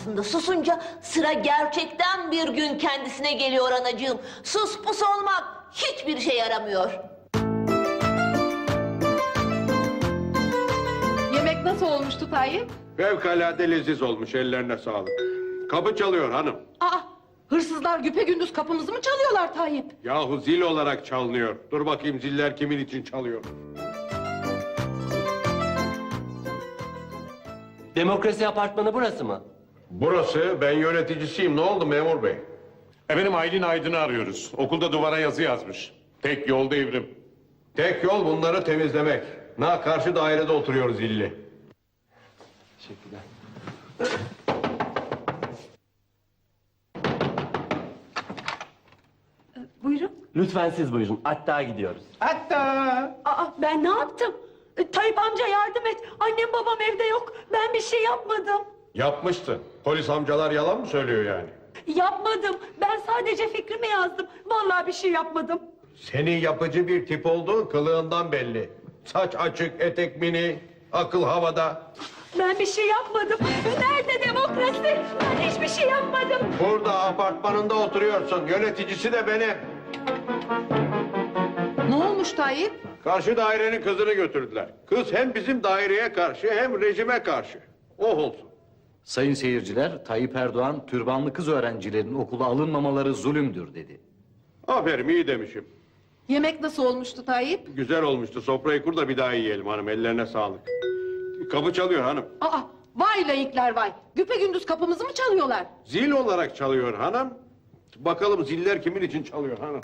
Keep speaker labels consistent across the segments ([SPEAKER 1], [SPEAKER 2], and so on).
[SPEAKER 1] karşısında susunca sıra gerçekten bir gün kendisine geliyor anacığım. Sus pus olmak hiçbir şey yaramıyor.
[SPEAKER 2] Yemek nasıl olmuştu Tayyip?
[SPEAKER 3] Fevkalade leziz olmuş, ellerine sağlık. Kapı çalıyor hanım.
[SPEAKER 2] Aa, hırsızlar güpegündüz kapımızı mı çalıyorlar Tayyip?
[SPEAKER 3] Yahu zil olarak çalınıyor. Dur bakayım ziller kimin için çalıyor.
[SPEAKER 4] Demokrasi apartmanı burası mı?
[SPEAKER 3] Burası, ben yöneticisiyim. Ne oldu memur bey?
[SPEAKER 5] Efendim Aylin Aydın'ı arıyoruz. Okulda duvara yazı yazmış. Tek yol devrim.
[SPEAKER 3] Tek yol bunları temizlemek. Karşı dairede oturuyor zilli.
[SPEAKER 4] Teşekkürler.
[SPEAKER 2] Buyurun.
[SPEAKER 4] Lütfen siz buyurun. Hatta gidiyoruz.
[SPEAKER 2] Aa, ben ne yaptım? Tayyip amca yardım et. Annem babam evde yok. Ben bir şey yapmadım.
[SPEAKER 3] Yapmıştın. Polis amcalar yalan mı söylüyor yani?
[SPEAKER 2] Yapmadım. Ben sadece fikrimi yazdım. Vallahi bir şey yapmadım.
[SPEAKER 3] Senin yapıcı bir tip olduğun kılığından belli. Saç açık, etek mini, akıl havada.
[SPEAKER 2] Ben bir şey yapmadım. Nerede demokrasi? Ben hiçbir şey yapmadım.
[SPEAKER 3] Burada apartmanında oturuyorsun. Yöneticisi de benim.
[SPEAKER 2] Ne olmuş Tayyip?
[SPEAKER 3] Karşı dairenin kızını götürdüler. Kız hem bizim daireye karşı hem rejime karşı. Oh olsun.
[SPEAKER 6] Sayın seyirciler, Tayyip Erdoğan, türbanlı kız öğrencilerin okula alınmamaları zulümdür dedi.
[SPEAKER 3] Aferin, iyi demişim.
[SPEAKER 2] Yemek nasıl olmuştu Tayyip?
[SPEAKER 3] Güzel olmuştu. Sofrayı kur da bir daha yiyelim hanım. Ellerine sağlık. Kapı çalıyor hanım.
[SPEAKER 2] Aa, vay layıklar vay. Güpegündüz kapımızı mı çalıyorlar?
[SPEAKER 3] Zil olarak çalıyor hanım. Bakalım ziller kimin için çalıyor hanım.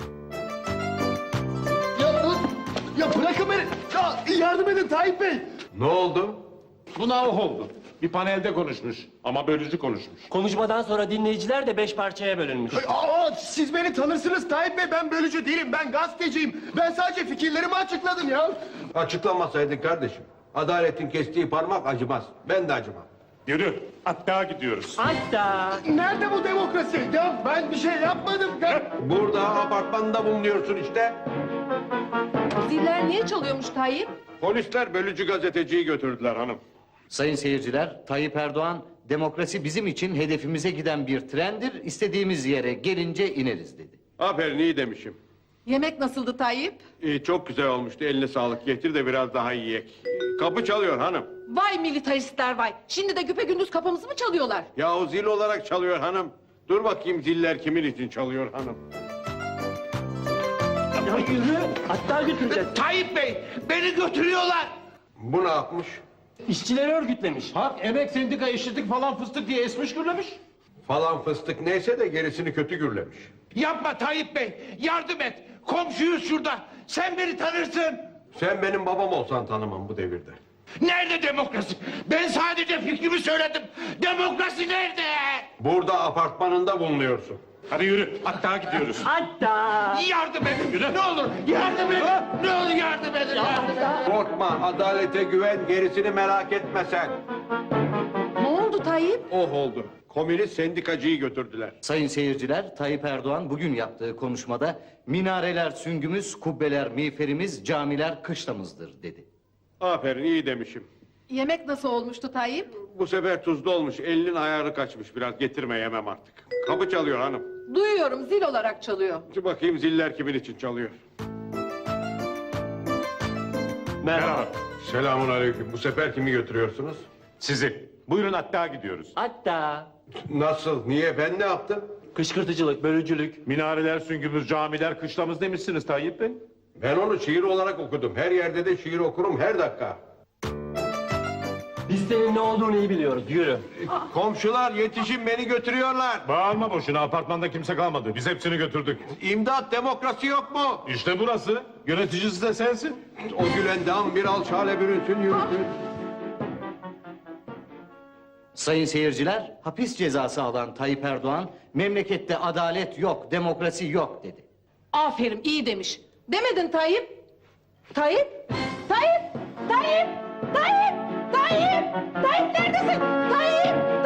[SPEAKER 7] Ya bırakın beni. Ya yardım edin Tayyip Bey.
[SPEAKER 3] Ne oldu?
[SPEAKER 5] Buna oh oldu. Bir panelde konuşmuş ama bölücü konuşmuş.
[SPEAKER 4] Konuşmadan sonra dinleyiciler de 5 parçaya bölünmüş.
[SPEAKER 7] Siz beni tanırsınız Tayyip Bey. Ben bölücü değilim. Ben gazeteciyim. Ben sadece fikirlerimi açıkladım ya.
[SPEAKER 3] Açıklamasaydın kardeşim. Adaletin kestiği parmak acımaz. Ben de acımam.
[SPEAKER 5] Yürü, hatta gidiyoruz.
[SPEAKER 4] Hatta.
[SPEAKER 7] Nerede bu demokrasi? Ya ben bir şey yapmadım.
[SPEAKER 3] Burada apartmanda bulunuyorsun işte.
[SPEAKER 2] Ziller niye çalıyormuş Tayyip?
[SPEAKER 3] Polisler bölücü gazeteciyi götürdüler hanım.
[SPEAKER 6] Sayın seyirciler, Tayyip Erdoğan, demokrasi bizim için hedefimize giden bir trendir, istediğimiz yere gelince ineriz dedi.
[SPEAKER 3] Aferin, iyi demişim.
[SPEAKER 2] Yemek nasıldı Tayyip?
[SPEAKER 3] Çok güzel olmuştu. Eline sağlık. Getir de biraz daha yiyek. Kapı çalıyor hanım.
[SPEAKER 2] Vay militaristler vay. Şimdi de güpegündüz kapımızı mı çalıyorlar?
[SPEAKER 3] Yahu zil olarak çalıyor hanım. Dur bakayım ziller kimin için çalıyor hanım.
[SPEAKER 4] Ya yürü. Hatta götüreceğiz.
[SPEAKER 7] Tayyip Bey beni götürüyorlar.
[SPEAKER 3] Bu ne yapmış?
[SPEAKER 4] İşçileri örgütlemiş.
[SPEAKER 5] Hak, emek, sendika, eşitlik falan fıstık diye esmiş gürlemiş.
[SPEAKER 3] Falan fıstık neyse de gerisini kötü gürlemiş.
[SPEAKER 7] Yapma Tayyip Bey. Yardım et. Komşuyuz şurada. Sen beni tanırsın.
[SPEAKER 3] Sen benim babam olsan tanımam bu devirde.
[SPEAKER 7] Nerede demokrasi? Ben sadece fikrimi söyledim. Demokrasi nerede?
[SPEAKER 3] Burada apartmanında bulunuyorsun.
[SPEAKER 5] Hadi yürü, hatta gidiyoruz.
[SPEAKER 4] Hatta.
[SPEAKER 7] Yardım edin. Ne olur yardım edin. Ne olur yardım edin. Yardım edin.
[SPEAKER 3] Korkma, adalete güven, gerisini merak etme sen.
[SPEAKER 2] Ne oldu Tayyip?
[SPEAKER 3] Oh oldu. Komünist sendikacıyı götürdüler.
[SPEAKER 6] Sayın seyirciler, Tayyip Erdoğan bugün yaptığı konuşmada minareler süngümüz, kubbeler miğferimiz, camiler kışlamızdır dedi.
[SPEAKER 3] Aferin, iyi demişim.
[SPEAKER 2] Yemek nasıl olmuştu Tayyip?
[SPEAKER 3] Bu sefer tuzlu olmuş, elinin ayarı kaçmış biraz. Getirme, yemem artık. Kapı çalıyor hanım.
[SPEAKER 2] Duyuyorum zil olarak çalıyor.
[SPEAKER 3] Dur bakayım ziller kimin için çalıyor.
[SPEAKER 4] Merhaba.
[SPEAKER 3] Selamun aleyküm. Bu sefer kimi götürüyorsunuz?
[SPEAKER 5] Sizi. Buyurun hatta gidiyoruz.
[SPEAKER 4] Hatta.
[SPEAKER 3] Nasıl? Niye? Ben ne yaptım?
[SPEAKER 4] Kışkırtıcılık, bölücülük.
[SPEAKER 5] Minareler, süngümüz, camiler, kışlamız demişsiniz Tayyip Bey.
[SPEAKER 3] Ben onu şiir olarak okudum. Her yerde de şiir okurum her dakika.
[SPEAKER 4] Biz senin ne olduğunu iyi biliyoruz. Yürü.
[SPEAKER 3] Komşular yetişin, beni götürüyorlar.
[SPEAKER 5] Bağırma boşuna, apartmanda kimse kalmadı. Biz hepsini götürdük.
[SPEAKER 3] İmdat, demokrasi yok mu?
[SPEAKER 5] İşte burası. Yöneticisi de sensin.
[SPEAKER 3] O gülen dam bir alçale bürünsün yürüsün.
[SPEAKER 6] Sayın seyirciler, hapis cezası alan Tayyip Erdoğan, memlekette adalet yok, demokrasi yok dedi.
[SPEAKER 2] Aferin iyi demiş. Demedin Tayyip? Tayyip? Tayyip? Tayyip? Tayyip? Tayyip? Tayyip neredesin? Tayyip?